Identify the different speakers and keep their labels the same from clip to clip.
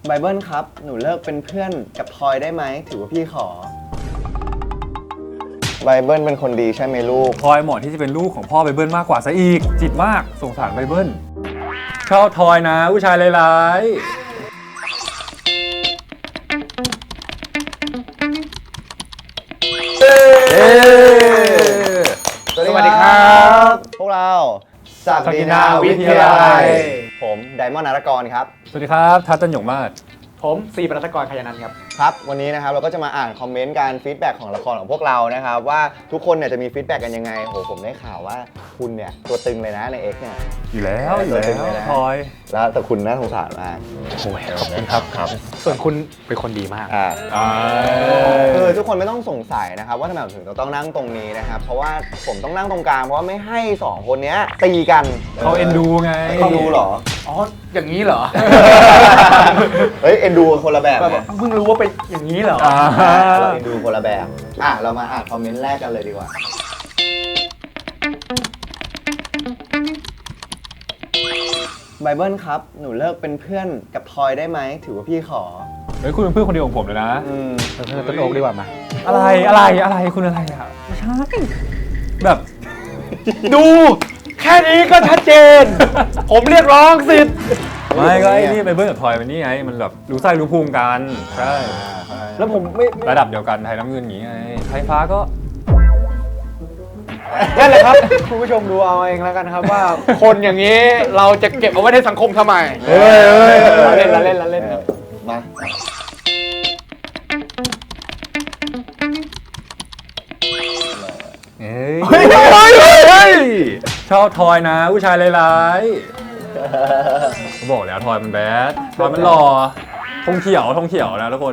Speaker 1: ไบเบิลครับหนูเลิกเป็นเพื่อนกับทอยได้ไหมถือว่าพี่ขอไบเบิลเป็นคนดีใช่ไหมลูก
Speaker 2: ทอยเหมาะที่จะเป็นลูกของพ่อไบเบิลมากกว่าซะอีกจิตมากสงสารไบเบิลชอบทอยนะผู้ชายร้าย
Speaker 1: สวัสดีครับพวกเราศักดินาวิทยาลัยผมไดมอนด์นารกรครับ
Speaker 2: สวัสดีครับทัศน์จันหยงมาศ
Speaker 3: ผมซีปรัตกรขยานันท์ครับ
Speaker 1: ครับวันนี้นะครับเราก็จะมาอ่านคอมเมนต์การฟีดแบ็กของละครของพวกเรานะครับว่าทุกคนเนี่ยจะมีฟีดแบ็กกันยังไงโหผมได้ข่าวว่าคุณเนี่ยตัวตึงเลยนะใน X เนี่ย
Speaker 2: อยู่แล้วทอย
Speaker 1: แล้วแต่คุณน่าสงสารมาก
Speaker 3: โอ้ยขอบคุณครับส่วนคุณเป็นคนดีมาก
Speaker 1: คือทุกคนไม่ต้องสงสัยนะครับว่าทำไมผมถึงต้องนั่งตรงนี้นะครับเพราะว่าผมต้องนั่งตรงกลางเพราะว่าไม่ให้2คนนี้ตีกัน
Speaker 2: เขาเอ็นดูไง
Speaker 1: เอ็นดูเหรอ
Speaker 3: อ๋ออย่างนี้เหรอ
Speaker 1: เฮ้ยเอ็นดูคนละแบบ
Speaker 3: เพิ่งรู้ว่าเป็นอย่างนี้เหรอ
Speaker 1: เราเอ็นดูคนละแบบเรามาอ่านคอมเมนต์แรกกันเลยดีกว่าไบเบิลครับหนูเลิกเป็นเพื่อนกับทอยได้ไหมถือว่าพี่ขอ
Speaker 2: เฮ้ยคุณเป็นเพื่อนคนเดียวของผมเลยนะ
Speaker 3: ต้นโอ๊กดีกว่ามา
Speaker 2: อะไรคุณอะไรอะไม่ใช่แบบ
Speaker 3: ดูแค่นี้ก็ชัดเจนผมเรียกร้องสิทธิ์
Speaker 2: ไม่ก็ไอ้นี่ไบเบิลกับทอยมันนี่ไงมันแบบรู้ไส้รู้ภูมิกันใช่
Speaker 3: แล้วผมไม่
Speaker 2: ระดับเดียวกันไทยน้ำเงินอย่างงี้ไงไทยฟ้าก็
Speaker 3: นั่นแหละครับคุณผู้ชมดูเอาเองแล้วกันครับว่าคนอย่างนี้เราจะเก็บเอาไว้ในสังคมทำไมเล่น
Speaker 1: มา
Speaker 2: ชอบทอยนะผู้ชายร้ายบอกแล้วทอยมันแบดทอยมันหล่อธงเขียวนะทุกคน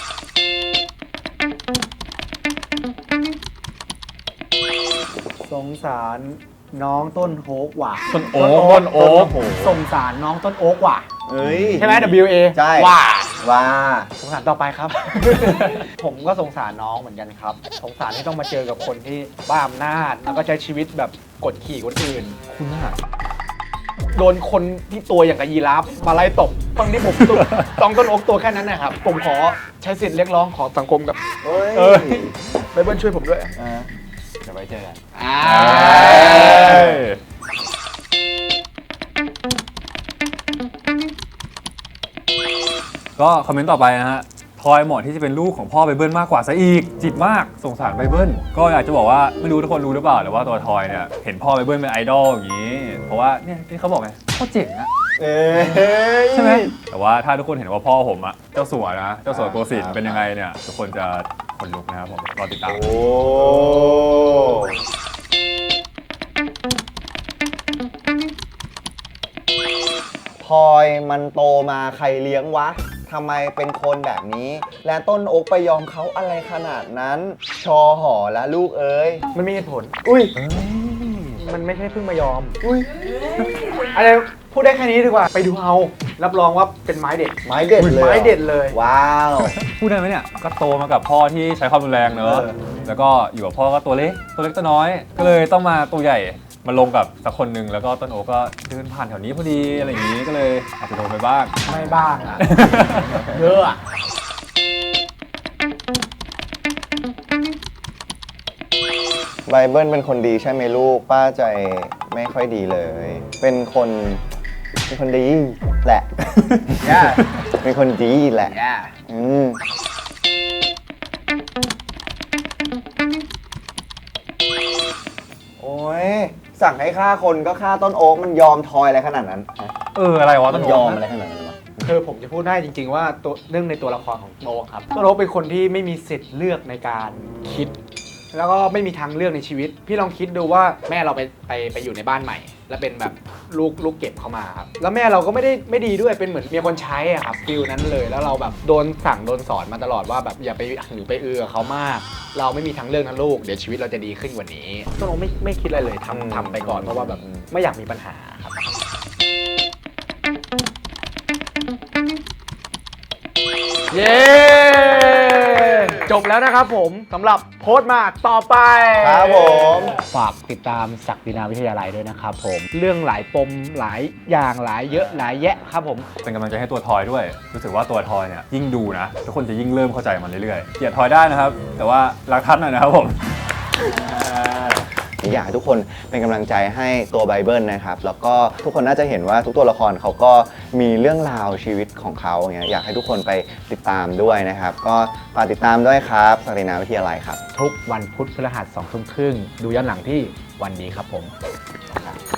Speaker 3: สงสารน้องต้นโอ๊กว่ะ
Speaker 2: ต้นโอ๊ก
Speaker 3: สงสารน้องต้นโอ๊กว่ะใช่ไหม WA
Speaker 1: ใช่ว่า
Speaker 3: สงสารต่อไปครับ ผมก็สงสารน้องเหมือนกันครับสงสารที่ต้องมาเจอกับคนที่บ้าอำนาจแล้วก็ใช้ชีวิตแบบกดขี่คนอื่น
Speaker 2: คุณน่ะ
Speaker 3: โดนคนที่ตัวอย่างกับยีราฟมาไล่ตบตอนที่ผมต้องต้นโอ๊กตัวแค่นั้นนะครับผมขอใช้สิทธิ์เรียกร้องขอสังคมกับไบเบิลช่วยผมด้วย
Speaker 1: จะไปเจอกัน
Speaker 2: ก็คอมเมนต์ต่อไปนะฮะทอยเหมาะที่จะเป็นลูกของพ่อไบเบิลมากกว่าซะอีกจิตมากสงสารไบเบิลก็อยากจะบอกว่าไม่รู้ทุกคนรู้หรือเปล่าแต่ว่าตัวทอยเนี่ยเห็นพ่อไบเบิลเป็นไอดอลอย่างนี้เพราะว่าเนี่ยที่เขาบอกไงพ่อเจ๋งอะใช่ไหมแต่ว่าถ้าทุกคนเห็นว่าพ่อผมอะเจ้าสัวนะเจ้าสัวโกสินทร์เป็นยังไงเนี่ยทุกคนจะขนลุกนะครับผมรอติดตาม
Speaker 1: พลอยมันโตมาใครเลี้ยงวะทำไมเป็นคนแบบนี้และต้นโอ๊กไปยอมเขาอะไรขนาดนั้นชอหอและลูกเอ้ย
Speaker 3: มันมีเหตุผลมันไม่ใช่เพิ่งมายอมอะไรพูดได้แค่นี้ดีกว่าไปดูเอารับรองว่าเป็นไม้เด็ดเลย
Speaker 1: ว้าว
Speaker 2: พูดได้ไหมเนี่ยก็โตมากับพ่อที่ใช้ความรุนแรงเนอะแล้วก็อยู่กับพ่อก็ตัวเล็กตัวน้อยก็เลยต้องมาตัวใหญ่มาลงกับสักคนหนึ่งแล้วก็ต้นโอ๊กก็เดินผ่านแถวนี้พอดีอะไรอย่างนี้ก็เลยอาจจะโดนไปบ้าง
Speaker 3: ไม่บ้างอะเยอะอะ
Speaker 1: ไบเบิลเป็นคนดีใช่ไหมลูกป้าใจไม่ค่อยดีเลยเป็นคนดีแหละเป็นคนดีแหละโอ้ยสั่งให้ฆ่าคนก็ฆ่าต้นโอ๊กมันยอมทอยอะไรขนาดนั้น
Speaker 2: อะไรวะต้น
Speaker 1: ยอมอะไรขนาดนั้นวะ
Speaker 3: คือผมจะพูดได้จริงๆว่าเรื่องในตัวละครของโอ๊กครับต้นโอ๊กเป็นคนที่ไม่มีสิทธิ์เลือกในการคิดแล้วก็ไม่มีทางเลือกในชีวิตพี่ลองคิดดูว่าแม่เราไปอยู่ในบ้านใหม่แล้วเป็นแบบลูกเก็บเข้ามาครับแล้วแม่เราก็ไม่ดีด้วยเป็นเหมือนเมียคนใช้อะครับฟิลนั้นเลยแล้วเราแบบโดนสั่งโดนสอนมาตลอดว่าแบบอย่าไปหรือไปกับเขามากเราไม่มีทางเลือกนะลูกเดี๋ยวชีวิตเราจะดีขึ้นกว่านี้ต้นโอ๊กไม่คิดอะไรเลยทำไปก่อนเพราะว่าแบบไม่อยากมีปัญหาครับเย้จบแล้วนะครับผมสำหรับโพสต์มาต่อไป
Speaker 1: ครับผม
Speaker 3: ฝากติดตามศักดินาวิทยาลัยด้วยนะครับผมเรื่องหลายปมหลายอย่างหลายเยอะหลายแยะครับผม
Speaker 2: เป็นกำลังใจให้ตัวทอยด้วย รู้สึกว่าตัวทอยเนี่ยยิ่งดูนะทุกคนจะยิ่งเริ่มเข้าใจมันเรื่อยๆเกลียดทอยได้นะครับ แต่ว่ารักท่านหน่อยนะครับผม
Speaker 1: อยากให้ทุกคนเป็นกำลังใจให้ตัวไบเบิลนะครับ แล้วก็ทุกคนน่าจะเห็นว่าทุกตัวละครเขาก็มีเรื่องราวชีวิตของเขาอย่างเงี้ยอยากให้ทุกคนไปติดตามด้วยนะครับ ก็ฝากติดตามด้วยครับศักดินาวิทยาลัยครับ
Speaker 3: ทุกวันพุธพฤหัส2 ทุ่มครึ่งดูย้อนหลังที่วันนี้ครับผม